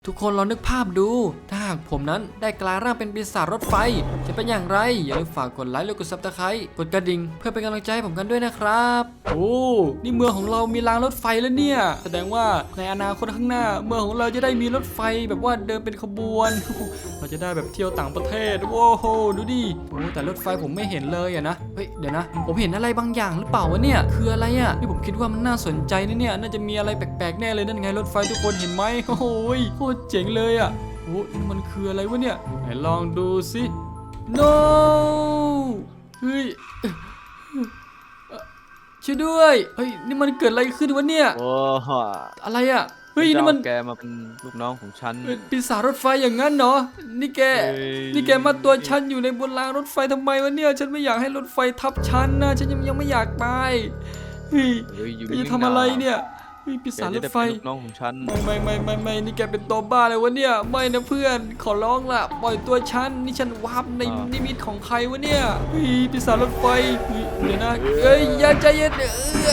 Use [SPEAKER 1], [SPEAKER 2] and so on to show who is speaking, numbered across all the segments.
[SPEAKER 1] ทุกคนลองนึกภาพดูถ้าหากผมนั้นได้กลายร่างเป็นปีศาจรถไฟจะเป็นอย่างไรอย่าลืมฝากกดไลค์และกดซับสไครต์กดกระดิ่งเพื่อเป็นกำลังใจให้ผมกันด้วยนะครับโอ้นี่เมืองของเรามีรางรถไฟแล้วเนี่ยแสดงว่าในอนาคตข้างหน้าเมืองของเราจะได้มีรถไฟแบบว่าเดินเป็นขบวนเราจะได้แบบเที่ยวต่างประเทศโว้โหดูดิโอ้แต่รถไฟผมไม่เห็นเลยอะนะเฮ้ยเดี๋ยวนะผมเห็นอะไรบางอย่างหรือเปล่าวะเนี่ยคืออะไรอะนี่ผมคิดว่ามันน่าสนใจนะเนี่ยน่าจะมีอะไรแปลกๆแน่เลยนั่นไงรถไฟทุกคนเห็นไหมโอ้โหโคตรเจ๋งเลยอ่ะโอ้นี่มันคืออะไรวะเนี่ยไหนลองดูสิ no เฮ้ยช่วยด้วยเฮ้ยนี่มันเกิดอะไรขึ้นวะเนี่ย
[SPEAKER 2] โอ้โห
[SPEAKER 1] อะไรอ่ะเฮ้ยนี่มัน
[SPEAKER 2] แกมาเป็นลูกน้องของฉัน
[SPEAKER 1] ปีศาจรถไฟอย่างนั้นเนาะนี่แก
[SPEAKER 2] เอ้ย
[SPEAKER 1] นี่แกมาตัวฉันอยู่ในบนรางรถไฟทำไมวะเนี่ยฉันไม่อยากให้รถไฟทับฉันนะฉันยังไม่อยากตายเฮ้ย
[SPEAKER 2] อยู่
[SPEAKER 1] แกจะทำอะไรเนี่ยเฮ้ยปี
[SPEAKER 2] แก
[SPEAKER 1] ศาจร
[SPEAKER 2] จะ
[SPEAKER 1] ถ
[SPEAKER 2] ได้
[SPEAKER 1] ไฟ
[SPEAKER 2] เป็นลูกน้องของฉัน
[SPEAKER 1] ไม่นี่แกเป็นตัวบ้าเลยวะเนี่ยไม่นะเพื่อนขอร้องล่ะปล่อยตัวฉันนี่ฉันวาร์ปในนิมิตของใครวะเนี่ยเฮ้ยปีศาจรถไฟเฮ้ยเดี๋ยวนะเอ้ยอย่าใจเย็น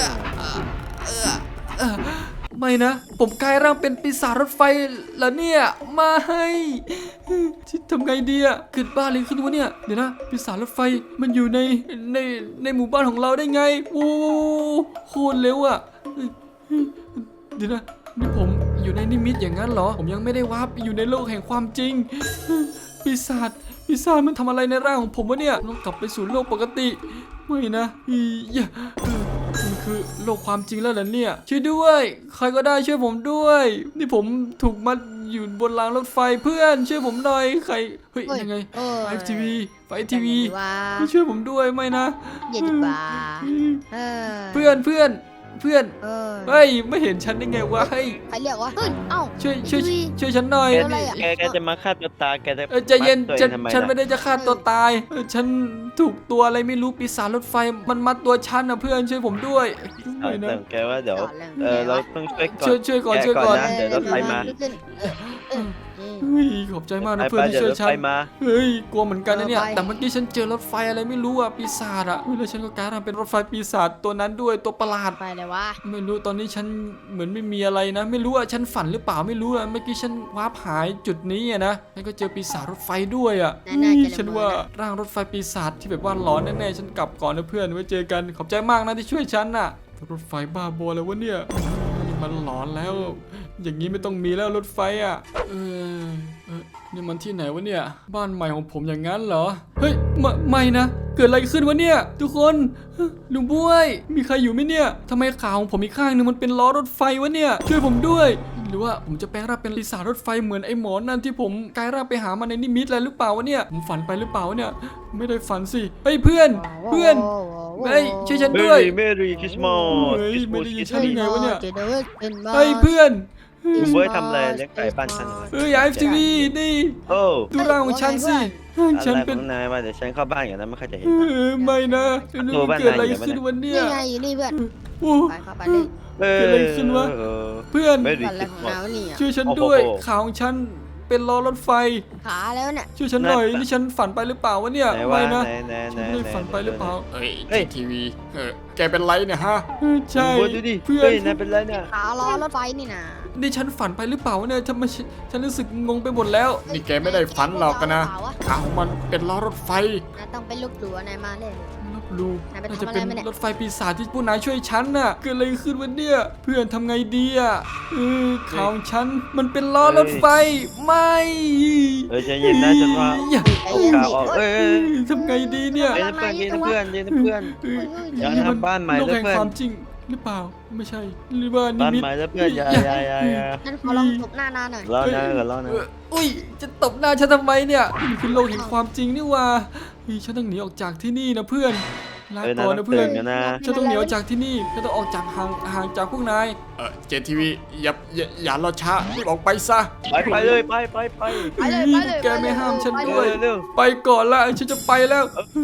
[SPEAKER 1] ไม่นะผมกลายร่างเป็นปีศาจรถไฟแล้วเนี่ยมาให้ทำไงดีอะเกิดบ้าเลยขึ้นวะเนี่ยเดี๋ยวนะปีศาจรถไฟมันอยู่ในหมู่บ้านของเราได้ไงโอ้โคตรเร็วอะเดี๋ยวนะนี่ผมอยู่ในนิมิตอย่างนั้นเหรอผมยังไม่ได้วาร์ปอยู่ในโลกแห่งความจริงปีศาจมันทำอะไรในร่างของผมวะเนี่ยต้องกลับไปสู่โลกปกติไม่นะมันคือโลกความจริงแล้วเหรอเนี่ยช่วยด้วยใครก็ได้ช่วยผมด้วยนี่ผมถูกมัดอยู่บนรางรถไฟเพื่อนช่วยผมหน่อยใครเฮ้ยยังไงไฟทีวีช่วยผมด้วยไม่นะ
[SPEAKER 3] เย็นดีกว่า
[SPEAKER 1] เพื่อนเฮ้ยไม่เห็นฉันได้ไงวะเฮ้ย
[SPEAKER 3] ใครเรียกวะเฮ้ยเอ้า
[SPEAKER 1] ช่วยฉันหน่อย
[SPEAKER 3] อะไรอะ
[SPEAKER 2] แกจะมาฆ่าตัวตายแกจะ
[SPEAKER 1] ใจเย็น
[SPEAKER 2] มัดตัวองทำไม
[SPEAKER 1] ฉันไม่
[SPEAKER 2] ล่ะ
[SPEAKER 1] ได้จะฆ่าตัวตายฉันถูกตัวอะไรไม่รู้ปีศาจรถไฟมันมัดตัวฉันนะเพื่อนช่วยผมด้วย
[SPEAKER 2] เอา
[SPEAKER 1] ไม่นะ
[SPEAKER 2] แต่แกว่าเดี๋ยว เราต้องช่วยก่อน
[SPEAKER 1] ช่วยก่อน
[SPEAKER 2] แก
[SPEAKER 1] ช่วยก่อน
[SPEAKER 2] นะเดี๋ยวรถไฟมา
[SPEAKER 1] เฮ้ยขอบใจมากนะ
[SPEAKER 2] ไป
[SPEAKER 1] เพื่อนที่
[SPEAKER 2] เดี๋ยว
[SPEAKER 1] ช่ว
[SPEAKER 2] ร
[SPEAKER 1] ย
[SPEAKER 2] ถ
[SPEAKER 1] ฉั
[SPEAKER 2] ไฟ
[SPEAKER 1] น
[SPEAKER 2] มา
[SPEAKER 1] เฮ้ยกลัวเหมือนกันนะเนี่ย
[SPEAKER 3] ไป
[SPEAKER 1] แต่เมื่อกี้ฉันเจอรถไฟอะไรไม่รู้อะปีศาจอะเฮ้ยแล้วฉันก็กลายเป็นรถไฟปีศาจตัวนั้นด้วยตัวประหลาด
[SPEAKER 3] ไปเลยวะ
[SPEAKER 1] ไม่รู้ตอนนี้ฉันเหมือนไม่มีอะไรนะ ไม่รู้อะฉันฝันหรือเปล่าไม่รู้อะเมื่อกี้ฉันวาร์ปหายจุดนี้อะนะแล้วก็เจอปีศาจรถไฟด้วยอะ
[SPEAKER 3] น่าจะ
[SPEAKER 1] ฉันว่าร่างรถไฟปีศาจที่แบบว่าหลอนแน่ๆฉันกลับก่อนนะเพื่อนไว้เจอกันขอบใจมากนะที่ช่วยฉันน่ะรถไฟบ้าบอเลยวะเนี่ยมันหลอนแล้ว อย่างนี้ไม่ต้องมีแล้วรถไฟอะนี่มันที่ไหนวะเนี่ยบ้านใหม่ของผมอย่างนั้นเหรอเฮ้ยไม่นะเกิดอะไรขึ้นวะเนี่ยทุกคนลุงบ้วยมีใครอยู่ไหมเนี่ยทำไมขาของผมอีกข้างนึงมันเป็นล้อรถไฟวะเนี่ยช่วยผมด้วย หรือว่าผมจะแปลงร่างเป็นปีศาจรถไฟเหมือนไอ้หมอนั่นที่ผมกลายร่างไปหามาในนิมิตอะไรหรือเปล่าวะเนี่ยผมฝันไปหรือเปล่าวะเนี่ยไม่ได้ฝันสิเฮ้ยเพื่อนเฮ้ยช่วยฉันด้วย
[SPEAKER 2] เมรี่คริสต์มาส
[SPEAKER 1] เฮ้ยไม่ได้ยินฉัน
[SPEAKER 3] เฮ้ย
[SPEAKER 1] ไงวะเนี่ย
[SPEAKER 3] จะเดินเป็นบ้า
[SPEAKER 1] เฮ้ยเพื่อน
[SPEAKER 2] คุณเบิร์ดทำอะไรเลี้ยงไก่บ้านฉันเหรอ
[SPEAKER 1] เฮ้ยไอฟทีวีนี่
[SPEAKER 2] โอ้
[SPEAKER 1] ดูร่างของฉันสิ
[SPEAKER 2] อะไร
[SPEAKER 1] ฉัน
[SPEAKER 2] ข
[SPEAKER 1] เป็น
[SPEAKER 2] องนายมาเดี๋ยวฉันเข้าบ้านอย่างนั้นไม่ค่อยจะเห็น
[SPEAKER 1] ไม่นะ
[SPEAKER 2] โทรบ้าน
[SPEAKER 1] เกิดอะไร
[SPEAKER 2] นายอยู่ไหม
[SPEAKER 1] ขึ้นวันเนี้ย
[SPEAKER 3] นี่ไงอยู่นี่เพื่อน
[SPEAKER 1] โอ้
[SPEAKER 3] ไปเข้าไปเลย
[SPEAKER 2] เอ
[SPEAKER 1] เกิดอะไรขึ้นวะ เพื่อน
[SPEAKER 2] เมรี่
[SPEAKER 3] ก่อน
[SPEAKER 2] ค
[SPEAKER 3] แร
[SPEAKER 2] ริ
[SPEAKER 3] ก
[SPEAKER 2] ส
[SPEAKER 3] ของ
[SPEAKER 2] ต์มา
[SPEAKER 3] เรา
[SPEAKER 2] ส
[SPEAKER 3] เนี่ย
[SPEAKER 1] ช่วยฉันด้วย
[SPEAKER 2] โอ้โห
[SPEAKER 1] ขาของฉันเป็นล้อรถไฟ
[SPEAKER 3] ขาแล้วเนี่ย
[SPEAKER 1] ช่วยฉันหน่อย
[SPEAKER 2] นั่น
[SPEAKER 1] นี่ฉันฝันไปหรือเปล่าวะเนี่ย
[SPEAKER 2] ไหน
[SPEAKER 1] ไม่
[SPEAKER 2] วะ
[SPEAKER 1] นะ
[SPEAKER 2] ไหน
[SPEAKER 1] ฉันไม่ได้ฝันไปหรือเปล่าเอ้ย
[SPEAKER 2] เฮ้ย
[SPEAKER 1] ทีวีแกเป็นไรเนี่ยฮะใช่
[SPEAKER 2] คุณเบิร์ดดูดิ
[SPEAKER 1] เพื่อน
[SPEAKER 2] เฮ้ยนายเป็นไรเนี่ย
[SPEAKER 3] ขาล้อรถไฟนี่นะ
[SPEAKER 1] นี่ฉันฝันไปหรือเปล่าวะเนี่ยฉันรู้สึกงงไปหมดแล้วนี่แกไม่ได้ฝันหรอกนะขาของมันเป็นล้อรถไฟ
[SPEAKER 3] นายต้องเป็นลูกหลัวนายมาเลย
[SPEAKER 1] ลบลู
[SPEAKER 3] นายไป
[SPEAKER 1] น่า
[SPEAKER 3] ทำ
[SPEAKER 1] จะ
[SPEAKER 3] อะไร
[SPEAKER 1] เป็น
[SPEAKER 3] มาเนี่ย
[SPEAKER 1] รถไฟปีศาจที่ผู้นายช่วยฉันน่ะเกิดอะไรขึ้นวะเนี่ยเพื่อนทำไงดีอ่ะขาของฉันมันเป็นล้อรถไฟไม่
[SPEAKER 2] เฮ้ยใจเย็นนะฉันว่า
[SPEAKER 1] อย่า
[SPEAKER 2] เอากาวออกเอ้ย
[SPEAKER 1] ทำไงดีเนี่ย
[SPEAKER 2] เย็นนะเพื่อนเย็นนะเพื่อน อย่าทำบ้านใหม่
[SPEAKER 1] โลก
[SPEAKER 2] นะ
[SPEAKER 1] แห่ง
[SPEAKER 2] เพื่อน
[SPEAKER 1] ความจริงหรือเปล่าไม่ใช่หรือว่านิ
[SPEAKER 2] บ้าน
[SPEAKER 1] มิต
[SPEAKER 2] ใหม่แล้วเพื่อนอย่า
[SPEAKER 3] นั่นขอลองตบหน้านานหน่อย
[SPEAKER 2] รอนะก่อนรอนะ
[SPEAKER 1] อุ้ยจะตบหน้าฉันทำไมเนี่ยนี่คือโลกแห่งความจริงนี่ว่าฉันต้องหนีออกจากที่นี่นะเพื่อนลาก่อนนะเพื่อน
[SPEAKER 2] กันนะ
[SPEAKER 1] ฉันต้องหนีออกจากที่นี่ฉันต้องออกจากห่างจากพวกนายเจนทีวีอย่ารอช้ารีบออกไปซะ
[SPEAKER 2] ไปเลยไป
[SPEAKER 3] ไปเลยไปเลย
[SPEAKER 1] แกไม่ห้ามฉันด้วย
[SPEAKER 2] เร็ว
[SPEAKER 1] ไปก่อนละฉันจะไปแล้ว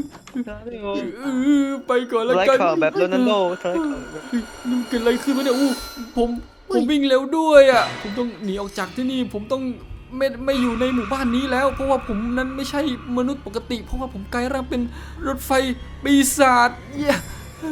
[SPEAKER 1] ไปก่อนแล้ว
[SPEAKER 2] ไล่
[SPEAKER 1] กัน
[SPEAKER 2] ข่าวแบบโรนัลโดไล่ข่าว
[SPEAKER 1] นี่มันเกิดอะไรขึ้นวะเนี่ยผมวิ่งเร็วด้วยอ่ะผมต้องหนีออกจากที่นี่ผมต้องไม่อยู่ในหมู่บ้านนี้แล้ว เพราะว่าผมนั้นไม่ใช่มนุษย์ปกติ เพราะว่าผมกลายร่างเป็นรถไฟปีศาจเย้ช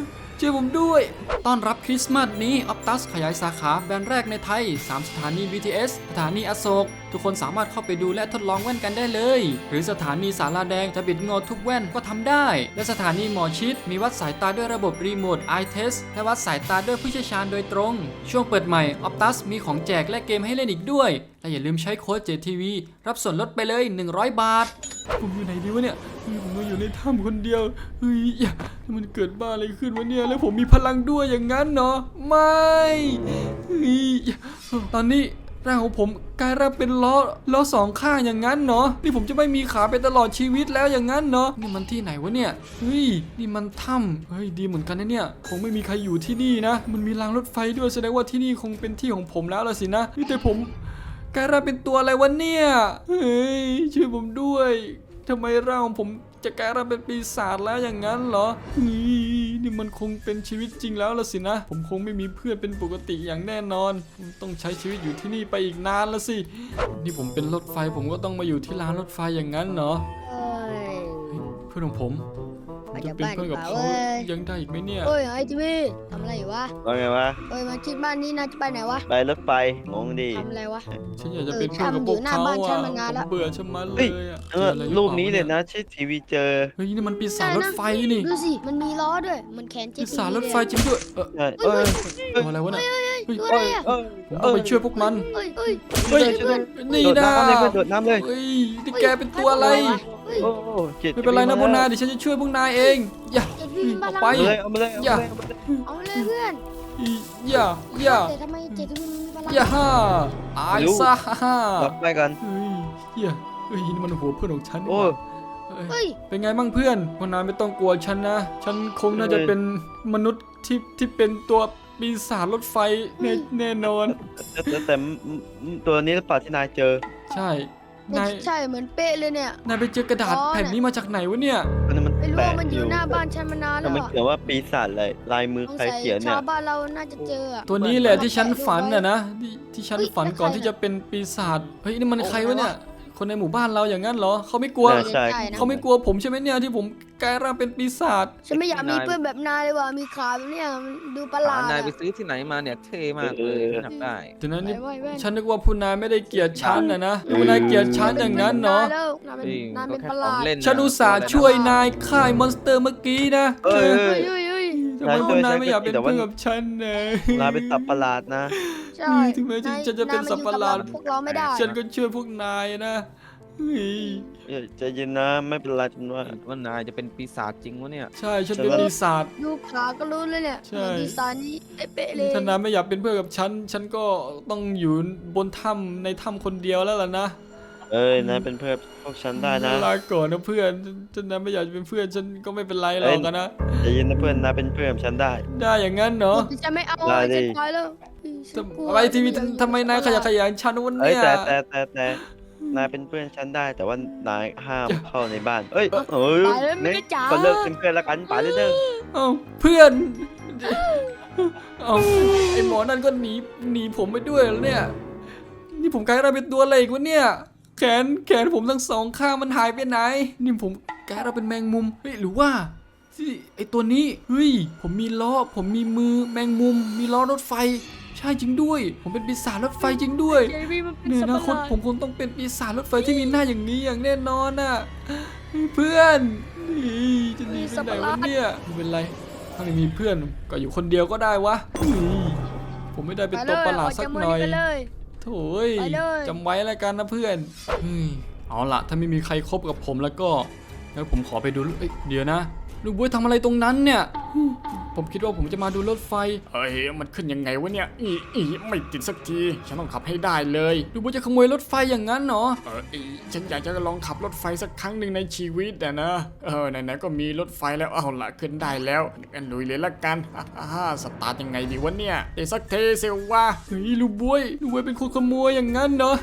[SPEAKER 1] ช่วยผมด้วยต้อนรับคริสต์มาสนี้ออปตัสขยายสาขาแบรนด์แรกในไทย3สถานี BTS สถานีอโศกทุกคนสามารถเข้าไปดูและทดลองแว่นกันได้เลยหรือสถานีสาราแดงจะบิดงอทุกแว่นก็ทำได้และสถานีหมอชิดมีวัดสายตาด้วยระบบรีโมท Eye Test และวัดสายตาด้วยผู้เชี่ยวชาญโดยตรงช่วงเปิดใหม่ออปตัสมีของแจกและเกมให้เล่นอีกด้วยและอย่าลืมใช้โค้ด JTV รับส่วนลดไปเลย100 บาทผมอยู่ไหนดีวะเนี่ยผมมาอยู่ในถ้ำคนเดียวเฮ้ยมันเกิดบ้าอะไรขึ้นวะเนี่ยแล้วผมมีพลังด้วยอย่างนั้นเนาะไม่เฮ้ยตอนนี้ร่างของผมกลายร่างเป็นล้อสองข้างอย่างนั้นเนาะนี่ผมจะไม่มีขาไปตลอดชีวิตแล้วอย่างนั้นเนาะนี่มันที่ไหนวะเนี่ยเฮ้ยนี่มันถ้ำเฮ้ยดีเหมือนกันนะเนี่ยคงไม่มีใครอยู่ที่นี่นะมันมีรางรถไฟด้วยแสดงว่าที่นี่คงเป็นที่ของผมแล้วล่ะสินะนี่แต่ผมกลายร่างเป็นตัวอะไรวะเนี่ยเฮ้ยช่วยผมด้วยทำไมร่างของผมจะกลายร่างเป็นปีศาจแล้วอย่างนั้นเหรอนี่มันคงเป็นชีวิตจริงแล้วล่ะสินะผมคงไม่มีเพื่อนเป็นปกติอย่างแน่นอนต้องใช้ชีวิตอยู่ที่นี่ไปอีกนานละสินี่ผมเป็นรถไฟผมก็ต้องมาอยู่ที่รางรถไฟอย่างนั้นเหรอ
[SPEAKER 3] เอ้ย
[SPEAKER 1] เพื่อนของผมจะเป็นเพื่อนกับเขายังได้อีกไหมเนี่ย
[SPEAKER 3] เอ้ยไอ้ทีวีทำอะไรอยู่วะ
[SPEAKER 2] ว่าไงวะ
[SPEAKER 3] เอ้ยมาคิดบ้านนี้นะจะไปไหนวะ
[SPEAKER 2] ไปรถไฟงงดี
[SPEAKER 3] ทำอะไรวะ
[SPEAKER 1] ฉันอยากจะเป็นเพื่อนกับพวกเขา
[SPEAKER 3] อยู่หน้าบ้านฉัน
[SPEAKER 1] อ่ะ
[SPEAKER 3] มานาน
[SPEAKER 1] ผ
[SPEAKER 3] ละ
[SPEAKER 1] มเบื่อชะมัดเล
[SPEAKER 2] เฮ้ย
[SPEAKER 1] ยอ่ะ
[SPEAKER 2] เออรูปนี้เลยนะที่ทีวีเจอ
[SPEAKER 1] เฮ้ยนี่มันปีศาจรถไฟนี่
[SPEAKER 3] ดูสิมันมีล้อด้วยมันแขนเจ็
[SPEAKER 1] ปีศาจรถไฟจริงด้วย
[SPEAKER 2] ใช่
[SPEAKER 1] ตัวอะไรวะเนี่ยเฮ้ย
[SPEAKER 3] ตัวอะไรอ่ะ
[SPEAKER 1] ผมต้องไปช่วยพวกมัน
[SPEAKER 3] เอ้ยเอ้ย
[SPEAKER 1] เฮ้ย
[SPEAKER 2] ช่วยด้วย
[SPEAKER 1] นี่
[SPEAKER 2] โดด
[SPEAKER 1] นะ
[SPEAKER 2] น้ำเลยเพื่อนโดดน้ำเลย
[SPEAKER 1] เฮ้ยนี่แกเป็นตัวอะไร
[SPEAKER 3] เฮ้ย
[SPEAKER 2] โอ้เจ็ด
[SPEAKER 1] ไม่เป็นไรนะพวกนายเดี๋ยวฉันจะช่วยพวกนายเองอย่า
[SPEAKER 3] เจ็ดวิ่งมา
[SPEAKER 1] ออก
[SPEAKER 3] ลัง
[SPEAKER 1] ไป
[SPEAKER 2] เอามาเลยเอามาเลยเอามาเลย
[SPEAKER 3] เอาเลยเพื่อน
[SPEAKER 1] อย่า
[SPEAKER 3] แต่ทำไมเจ็ดวิ่งมีพลัง
[SPEAKER 1] อย่าฮ่าตายซะฮ่า
[SPEAKER 2] ล็อกไปกัน
[SPEAKER 1] เฮ้ยนี่มันหัวเพื่อนของฉันนี่
[SPEAKER 2] โอ้
[SPEAKER 1] หว่า
[SPEAKER 3] เฮ้ย
[SPEAKER 1] เป็นไงบ้างเพื่อนพวกนายไม่ต้องกลัวฉันนะ ฉันคงน่าจะเป็นมนุษย์ที่เป็นตัวปีศาจรถไฟแน่นอน
[SPEAKER 2] แต่ตัวนี้หรือเปล่าที่นายเจอ
[SPEAKER 1] ใช่นาย
[SPEAKER 3] ใช่เหมือนเป๊ะเลยเนี่ย
[SPEAKER 1] นายไปเจอกระดาษ
[SPEAKER 3] อ๋อ
[SPEAKER 1] แผ่นนี้มาจากไหนวะเนี่ย
[SPEAKER 2] อันนั้นมัน
[SPEAKER 3] ไม่รู้
[SPEAKER 2] แปล
[SPEAKER 3] ว่าก มัน
[SPEAKER 2] อ
[SPEAKER 3] อยู่
[SPEAKER 2] ยู่
[SPEAKER 3] หน้าบ้านฉันมานาน
[SPEAKER 2] แต่
[SPEAKER 3] แล้ว
[SPEAKER 2] มัน
[SPEAKER 3] อะ
[SPEAKER 2] เขียนว่าปีศาจอะไรลายมือ
[SPEAKER 3] สง
[SPEAKER 2] ใคร
[SPEAKER 3] สัย
[SPEAKER 2] เขียนเนี่ย
[SPEAKER 3] ชาวบ้านเราน่าจะเจออะ
[SPEAKER 1] ตัวนี้แหละที่ฉันฝัน
[SPEAKER 3] เฮ้ย
[SPEAKER 1] นะที่ฉันฝันก่อนที่จะเป็นปีศาจเฮ้ยนี่มันใครวะเนี่ยคนในหมู่บ้านเราอย่างนั้นเหรอเขาไม่กลัว
[SPEAKER 2] น่าใช่
[SPEAKER 3] นะ
[SPEAKER 1] เขาไม่กลัวผมใช่ไหมเนี่ยที่ผมกลายร่างเป็นปีศาจ
[SPEAKER 3] ฉันไม่อยากมีเพื่อนแบบนายเลยว่ะมีขาแบบเนี้ยมันดูประหลาด
[SPEAKER 4] นาย
[SPEAKER 3] อะ
[SPEAKER 4] ไปซื้อที่ไหนมาเนี่ยเท่มากเลยฉันอยากได้
[SPEAKER 1] ทีนั้นนี่
[SPEAKER 3] ไว้ไว้
[SPEAKER 1] ฉันนึกว่าผู้นายไม่ได้เกลียดฉันนะผู้นายเกลียดฉันอย่างนั้นเนาะ
[SPEAKER 3] นายเป็น
[SPEAKER 4] จริง
[SPEAKER 3] นาย
[SPEAKER 4] ก็
[SPEAKER 3] เป็น
[SPEAKER 4] แค่
[SPEAKER 3] ประห
[SPEAKER 4] ขอ
[SPEAKER 3] ลาง ด
[SPEAKER 4] เล่น
[SPEAKER 1] ฉันอุตส่าห์ช่วยนายฆ่ามอนสเตอร์เมื่อกี้นะ
[SPEAKER 2] เอ้ย
[SPEAKER 3] เฮ้ยเฮ้ยเฮ้ย
[SPEAKER 1] ทำไมผู้นายไม่อยากเป็นเพื่อนกับฉันนะ
[SPEAKER 2] นายเป็นสัตว์ประหลาดนะ
[SPEAKER 3] ใช่
[SPEAKER 1] ถึงแม้ฉันจะเป็นสัตว์ประหลาด
[SPEAKER 3] นยมอยู่กับพวกเราไม่ได้
[SPEAKER 1] ฉันก็ช่วยพวกนายนะเฮ้ย
[SPEAKER 2] ใจเย็นนะไม่เป็นไรจนว่า
[SPEAKER 4] ว่านายจะเป็นปีศาจจริงวะเนี่ย
[SPEAKER 1] ใช่ฉันเป็นปีศาจ
[SPEAKER 3] ดูขาก็รู้เลยเนี่ย
[SPEAKER 1] ใช่
[SPEAKER 3] ดีไซน์นี้เป๊ะๆเลย
[SPEAKER 1] ถ้านายไม่อยากเป็นเพื่อนกับฉันฉันก็ต้องอยู่บนถ้ำในถ้ำคนเดียวแล้วล่ะนะ
[SPEAKER 2] เอ้ยนายเป็นเพื่อนพวกฉันได้นะ
[SPEAKER 1] ลาก่อนนะเพื่อนฉันนายไม่อยากเป็นเพื่อนฉันก็ไม่เป็นไรหรอกนะ
[SPEAKER 2] ใจเย็นนะเพื่อนนายเป็นเพื่อนกับฉันได้
[SPEAKER 1] ได้อย่างนั้นเนาะ
[SPEAKER 3] จะไม่เอา
[SPEAKER 2] ได้ดิ
[SPEAKER 3] ฉันไปแล้วฉันกลัว
[SPEAKER 1] อะไรทีวีทำไมนายขยันขยานฉันวัน
[SPEAKER 2] เอ้ย
[SPEAKER 1] เนี้ย
[SPEAKER 2] แต่นายเป็นเพื่อนฉันได้แต่ว่านายห้ามเข้าในบ้านเอ้ยเอ้ย
[SPEAKER 3] ไปแล้วไม่
[SPEAKER 2] เนี่ย
[SPEAKER 3] ได้จ๋า
[SPEAKER 2] ก็เลิกเป็นเพื่อนแล้วกันป๋าเด้อ
[SPEAKER 1] เอ้าเพื่อนเอาไอหมอนั่นก็หนีผมไปด้วยแล้วเนี่ยนี่ผมกลายร่างเป็นตัวอะไรอีกวะเนี่ยแขนผมทั้งสองข้างมันหายไปไหนนี่ผมกลายร่างเป็นแมงมุมเฮ้ยหรือว่าที่ไอตัวนี้เฮ้ยผมมีล้อผมมีมือแมงมุมมีล้อรถไฟใช่จริงด้วย ผมเป็นปีศาจรถไฟจริงด้วย
[SPEAKER 3] เจวี่มันเป็น
[SPEAKER 1] เนี่ย
[SPEAKER 3] สัต
[SPEAKER 1] นะ
[SPEAKER 3] ว์
[SPEAKER 1] ค
[SPEAKER 3] ประ
[SPEAKER 1] น
[SPEAKER 3] หลาด
[SPEAKER 1] ผมคงต้องเป็นปีศาจรถไฟที่มีหน้าอย่างนี้อย่างแน่นอนน่ะเพื่อนนี่จะหนีไปไหนวะเนี่ยไม่เป็นไรถ้าไม่มีเพื่อนก็อยู่คนเดียวก็ได้วะนี่ผมไม่ได้เป็นตัวประหลาดสักหน่อย
[SPEAKER 3] ไปเลย
[SPEAKER 1] โถ่ย
[SPEAKER 3] ไปเลย
[SPEAKER 1] จำไว้แล้วกันนะเพื่อนเอาล่ะถ้าไม่มีใครคบกับผมแล้วก็แล้วผมขอไปดูเอ้ยเดี๋ยวนะลูกบุ้ยทำอะไรตรงนั้นเนี่ยผมคิดว่าผมจะมาดูรถไฟเฮ้ยมันขึ้นยังไงวะเนี่ยไม่ติดสักทีฉันต้องขับให้ได้เลยลูกบุ้ยจะขโมยรถไฟอย่างนั้นเหรอฉันอยากจะลองขับรถไฟสักครั้งหนึ่งในชีวิตนะไหนๆก็มีรถไฟแล้วเอาล่ะขึ้นได้แล้วงั้นลุยเลยละกันสตาร์ทยังไงดีวะเนี่ยเดี๋ยวสักเทเซลว่าเฮ้ยลูกบุ้ยเป็นคนขโมยอย่างนั้นเนาะ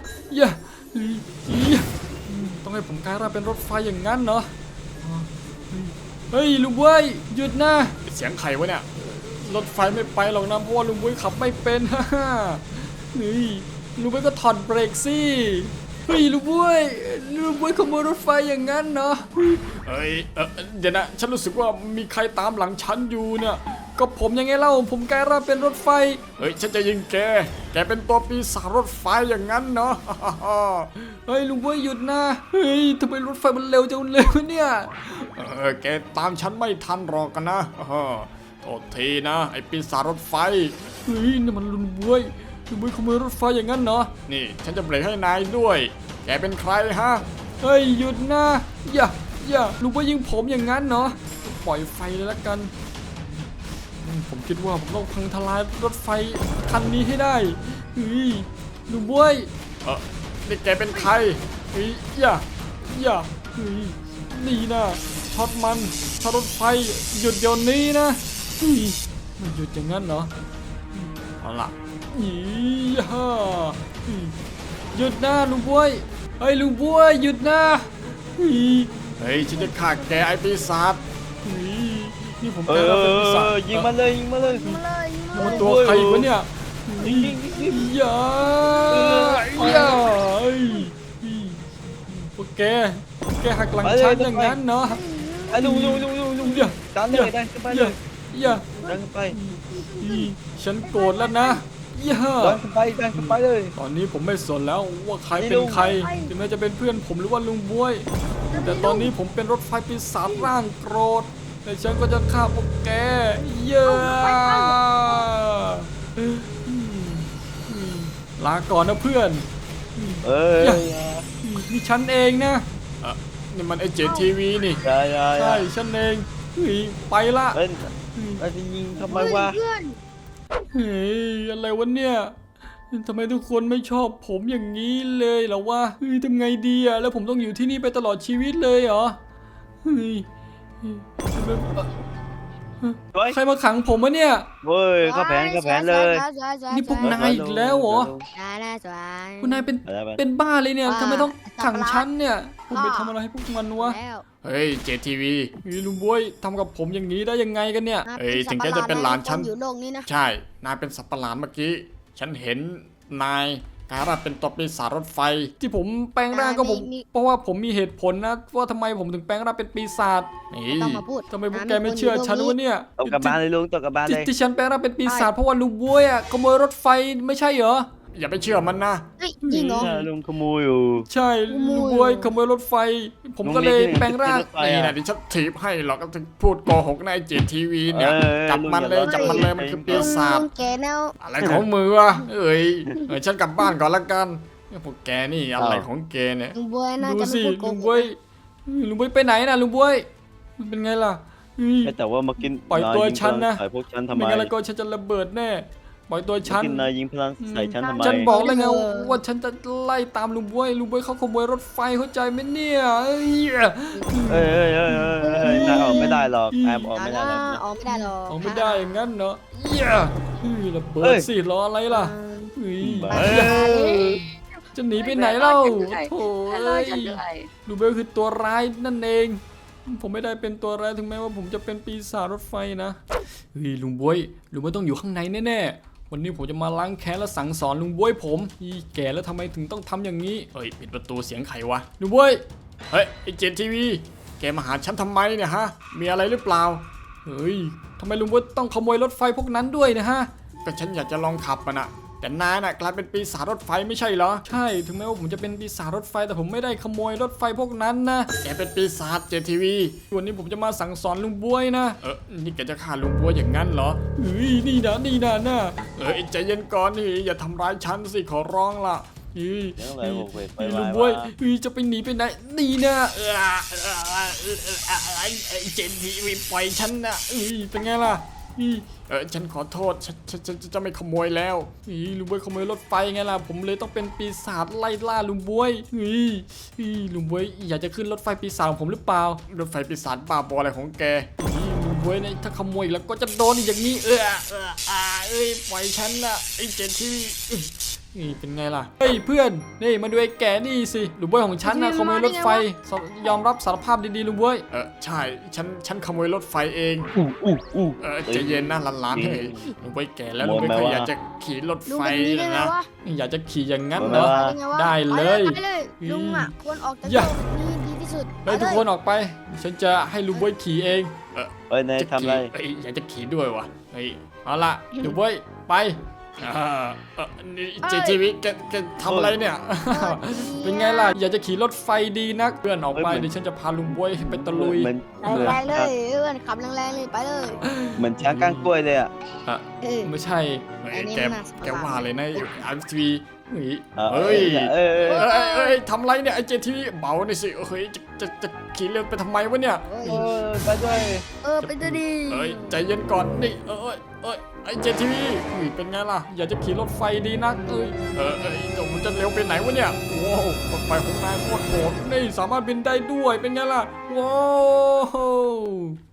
[SPEAKER 1] ต้องให้ผมกลายร่างเป็นรถไฟอย่างนั้นเนาะเฮ้ยลุงบุ้ยหยุดนะเสียงใครวะเนี่ยรถไฟไม่ไปหรอกนะเพราะว่าลุงบุ้ยขับไม่เป็นนี่ลุงบุ้ยก็ถอดเบรกสิเฮ้ยลุงบุ้ยขโมยรถไฟอย่างนั้นเนาะเฮ้ยเดี๋ยวนะฉันรู้สึกว่ามีใครตามหลังฉันอยู่เนี่ยก็ผมยังไงเล่าผมกลายร่างเป็นรถไฟ
[SPEAKER 5] เฮ้ยฉันจะยิงแกเป็นตัวปีศาจรถไฟอย่างนั้นเนาะ
[SPEAKER 1] เฮ้ยลุงบวยหยุดนะเฮ้ยทำไมรถไฟมันเร็วจังเลยวะเนี่ย
[SPEAKER 5] แกตามฉันไม่ทันหรอกกันนะ โทษทีนะไอ้ปีศาจรถไฟ
[SPEAKER 1] เฮ้ยนี่มันลุงบวยขโมยรถไฟอย่างนั้นเหรอ
[SPEAKER 5] นี่ฉันจะเบรกให้นายด้วย แกเป็นใครฮะ
[SPEAKER 1] เฮ้ยหยุดนะอย่าลุงบวยยิงผมอย่างนั้นเนาะปล่อยไฟเลยละกันผมคิดว่าผมต้องพังทลายรถไฟคันนี้ให้ได้เฮ้ยลุงบวย
[SPEAKER 5] นี่แกเป็นใคร
[SPEAKER 1] เฮ้ยอย่าเฮ้ยนี่นะช็อตรถไฟหยุดเดี๋ยวนี้นะเฮ้ยมันหยุดอย่างนั้นเหรอเอาล่ะยี่ห้าเฮ้ยหยุดนะลุงบวยเฮ้ยลุงบวยหยุดนะเฮ้ย
[SPEAKER 5] เฮ้ยฉันจะฆ่าแกไอ้ปีศาจ
[SPEAKER 1] เฮ้ยนี่ผม
[SPEAKER 2] เอ
[SPEAKER 1] แก
[SPEAKER 2] อ
[SPEAKER 1] เราเป็นปีศาจ
[SPEAKER 2] ยิงมาเลยยิงมาเลย
[SPEAKER 3] มาเลยยิงมา
[SPEAKER 1] มัน
[SPEAKER 3] เลย
[SPEAKER 1] ตัวใครวะเนี่ย
[SPEAKER 2] ยิง
[SPEAKER 1] อย่าเฮ้ยพวกแกหักหลังฉันอย่างนั้นเนาะ
[SPEAKER 2] ไอ้ลุงดันเลยดันขึ้นไปเลย
[SPEAKER 1] อย่า
[SPEAKER 2] ดันขึ้นไป
[SPEAKER 1] ฉันโกรธแล้วนะอย่า
[SPEAKER 2] ดันขึ้นไปเลย
[SPEAKER 1] ตอนนี้ผมไม่สนแล้วว่าใครเป็นใครถึงแม้จะเป็นเพื่อนผมหรือว่าลุงบวย แต่ตอนนี้ผมเป็นรถไฟปีศาจร่างโกรธแต่ฉันก็จะฆ่าพวกแกเยอะลาก่อนนะเพื่อน
[SPEAKER 2] เอ้ย
[SPEAKER 1] นี่ฉันเองนะ
[SPEAKER 5] นี่มันไอ้เจทีวีนี่
[SPEAKER 1] ใช่ฉันเองไปละ
[SPEAKER 2] เอ้ยจะยิงทำไมวะ
[SPEAKER 3] เพื่อน
[SPEAKER 1] เฮ้ยอะไรวะเนี่ยทำไมทุกคนไม่ชอบผมอย่างนี้เลยเหรอวะทำไงดีอะแล้วผมต้องอยู่ที่นี่ไปตลอดชีวิตเลยเหรอใครมาขังผมวะเนี่ย
[SPEAKER 2] เว้ยเข้าแผนเลย
[SPEAKER 1] นี่พวกนายอีกแล้วเหรอ
[SPEAKER 3] สวย
[SPEAKER 1] คุณนายเป็นบ้าเลยเนี่ยทำไมต้องขังฉันเนี่ยผมไปทำอะไรให้พวกมันวะ
[SPEAKER 3] แล้ว
[SPEAKER 5] เฮ้ยเจทีวี
[SPEAKER 1] ลุงบวยทำกับผมอย่างนี้ได้ยังไงกันเนี่ย
[SPEAKER 5] เอ้ยถึงแกจะเป็นหลานฉัน
[SPEAKER 3] อยู่โลกนี้นะ
[SPEAKER 5] ใช่นายเป็นสัตว์ประหลาดเมื่อกี้ฉันเห็นนายกลายร่างเป็นตัวปีศาจรถไฟ
[SPEAKER 1] ที่ผมแปลงร่างก็ผมเพราะว่าผมมีเหตุผลนะว่าทำไมผมถึงแปลงร่างเป็นปีศาจ
[SPEAKER 5] นี่
[SPEAKER 3] ไม่ต้องมาพูด
[SPEAKER 1] ทำไมพวกแกไม่เชื่อฉันวะเนี่ย
[SPEAKER 2] ตกกลับบ้านเลยลุงตกกลับบ้านเลย
[SPEAKER 1] ที่ฉันแปลงร่างเป็นปีศาจเพราะว่าลุงบวยอ่ะขโมยรถไฟไม่ใช่เหรอ
[SPEAKER 5] อย่าไปเชื่อมันนะ
[SPEAKER 3] เฮ้ยจริงเหรอ
[SPEAKER 2] ลุงขโมยอยู่
[SPEAKER 1] ใช่ลุงบวยขโมยรถไฟ ผมก็เลยแปลงร่าง
[SPEAKER 5] นี่นะที่ฉันถีบให้หรอกก็ถึงพูดโกหกในเจทีวีเนี่ยจับมันเลยมันคือปีศาจ
[SPEAKER 3] ลุงแกแนว
[SPEAKER 5] อะไรของมือวะเอ้ยฉันกลับบ้านก่อนละกันพวกแกนี่อะไรของแกเนี่ย
[SPEAKER 3] ลุงบวยน่า
[SPEAKER 1] ดู
[SPEAKER 3] จะ
[SPEAKER 1] สิ
[SPEAKER 3] ไม่พูดโก
[SPEAKER 1] ลุง
[SPEAKER 3] ห
[SPEAKER 1] บ
[SPEAKER 3] ก
[SPEAKER 1] วยลุงบวยไปไหนนะลุงบวยมันเป็นไงล่ะ
[SPEAKER 2] แต่ว่ามากิน
[SPEAKER 1] ปล่อยตัวฉันนะ
[SPEAKER 2] ใส่พวกฉันทำไม
[SPEAKER 1] ไม่งั้นแล้วก็ฉันจะระเบิดแน่ปล่อยตัวฉัน
[SPEAKER 2] กินนายยิงพลังใส่ฉันทำไม
[SPEAKER 1] ฉันบอกแล้วไงว่าฉันจะไล่ตามลุงบวยเขาขโมยรถไฟเข้าใจไหมเนี่ยเอ้ย
[SPEAKER 2] นายออกไม่ได้หรอกแอมออกไม่ได้หรอก
[SPEAKER 3] ออกไม่ได้หรอก
[SPEAKER 1] ออกไม่ได้อย่างนั้นเนาะระเบิดสิรออะไรล่ะจะหนีไปไหนเล่าโถ่เอ้ยลุงบวยคือตัวร้ายนั่นเองผมไม่ได้เป็นตัวร้ายถึงแม้ว่าผมจะเป็นปีศาจรถไฟนะลุงบวยต้องอยู่ข้างในแน่ๆวันนี้ผมจะมาล้างแค้นและสั่งสอนลุงบวยผมแก่แล้วทำไมถึงต้องทำอย่างนี้
[SPEAKER 5] เฮ้ยปิดประตูเสียงใครวะ
[SPEAKER 1] ลุงบวย
[SPEAKER 5] เฮ้ยไอเจทีวีแกมาหาฉันทำไมเนี่ยฮะมีอะไรหรือเปล่า
[SPEAKER 1] เฮ้ยทำไมลุงบวยต้องขโมยรถไฟพวกนั้นด้วยนะฮะ
[SPEAKER 5] ก็ฉันอยากจะลองขับมันอะแต่นายน่ะกลายเป็นปีศาจรถไฟไม่ใช่เหรอ
[SPEAKER 1] ใช่ถึงแม้ว่าผมจะเป็นปีศาจรถไฟแต่ผมไม่ได้ขโมยรถไฟพวกนั้นนะ
[SPEAKER 5] แกเป็นปีศาจเจทีวี
[SPEAKER 1] วันนี้ผมจะมาสั่งสอนลุงบวยนะ
[SPEAKER 5] นี่แกจะฆ่าลุงบัวอย่างนั้นเหรอ
[SPEAKER 1] เฮ้ยนี่นะ
[SPEAKER 5] ใจเย็นก่อนนี่อย่าทำร้ายฉันสิขอร้องล่ะ
[SPEAKER 1] เฮ้ย
[SPEAKER 2] เรื่องอะไรผมไป
[SPEAKER 1] ลุงบวยจะไปหนีไปไหนนี่นะ
[SPEAKER 5] ไอเจทีวีปล่อยฉันนะ
[SPEAKER 1] เป็นไงล่ะ
[SPEAKER 5] ฉันขอโทษฉันจะไม่ขโมยแล้ว
[SPEAKER 1] ลุงบวยขโมยรถไฟไงล่ะผมเลยต้องเป็นปีศาจไล่ล่าลุงบวยลุงบวยอยากจะขึ้นรถไฟปีศาจของผมหรือเปล่าร
[SPEAKER 5] ถไฟปีศาจบ้าบออะไรของแก
[SPEAKER 1] ลุงบวยเนี่ยถ้าขโมยอีกแล้วก็จะโดนอีกอย่างนี้ปล่อยฉันนะไอ้เจนที่นี่เป็นไงล่ะเฮ้ยเพื่อนนี่มาดูไอ้แก่นี่สิลุงบวยของฉันนะขโมยรถไฟยอมรับสารภาพดีๆลุงบวย
[SPEAKER 5] ใช่ฉันขโมยรถไฟเองใจเย็นนะหลานๆเฮ้ยลุงไปแก่แล้วลุงไม่เคยอยากจะขี่รถ
[SPEAKER 3] ลุง
[SPEAKER 5] ไฟ
[SPEAKER 3] เป็นนี้ได้ไง
[SPEAKER 5] นะ
[SPEAKER 3] วะ
[SPEAKER 1] อยากจะขี่อย่างนั้นเหรอ
[SPEAKER 3] ได้ไงวะ
[SPEAKER 1] ได้เลย
[SPEAKER 3] ไปเลยลุงอ่ะควรออกจาก
[SPEAKER 1] อย่า
[SPEAKER 3] โลกนี้ดีที่สุด
[SPEAKER 5] เฮ้ย
[SPEAKER 3] ไป
[SPEAKER 5] ทุก
[SPEAKER 3] เลย
[SPEAKER 5] คนออกไปฉันจะให้ลุงบวยขี่เอง
[SPEAKER 2] เอ้ยนาย
[SPEAKER 5] จะ
[SPEAKER 2] ทำอะไร
[SPEAKER 5] ขี่เอ้ยอยากจะขี่ด้วยวะเฮ้ยเอาละลุงบวยไปนี่เจทีวีแกทำอะไรเนี่ย เป็นไงล่ะ อยากจะขี่รถไฟดีนักเพื่อนออกไปเดี๋ยวฉันจะพาลุงบวยไปตะลุย
[SPEAKER 2] เหมือน
[SPEAKER 3] แรงๆเลยเพื่อนขับแรงๆเลยไปเลย
[SPEAKER 2] เหมือนช้างก้างกล้วยเลยอ่ะ
[SPEAKER 3] เออ
[SPEAKER 5] ไม่ใช่เฮ้ย
[SPEAKER 3] อันนี้
[SPEAKER 5] แก
[SPEAKER 3] มันน่าสงสาร
[SPEAKER 5] แกว่าเลยนะอันทีวีเฮ้ย
[SPEAKER 2] เอ้ยเออ
[SPEAKER 5] เอ้ยทำไรเนี่ยไอเจทีวีเบาหน่อยสิเฮ้ยจะขี่เร็วไปทำไมวะเนี่ย
[SPEAKER 3] เอ้ย
[SPEAKER 2] ไปด้วย
[SPEAKER 3] ไปด้วยดี
[SPEAKER 5] เอ้ยใจเย็นก่อนนี่ไอเจทีวีเป็นไงล่ะอยากจะขี่รถไฟดีนักจงมันจะเร็วไปไหนวะเนี่ยว้าวรถไฟของนายโคตรโหดนี่สามารถบินได้ด้วยเป็นไงล่ะว้าว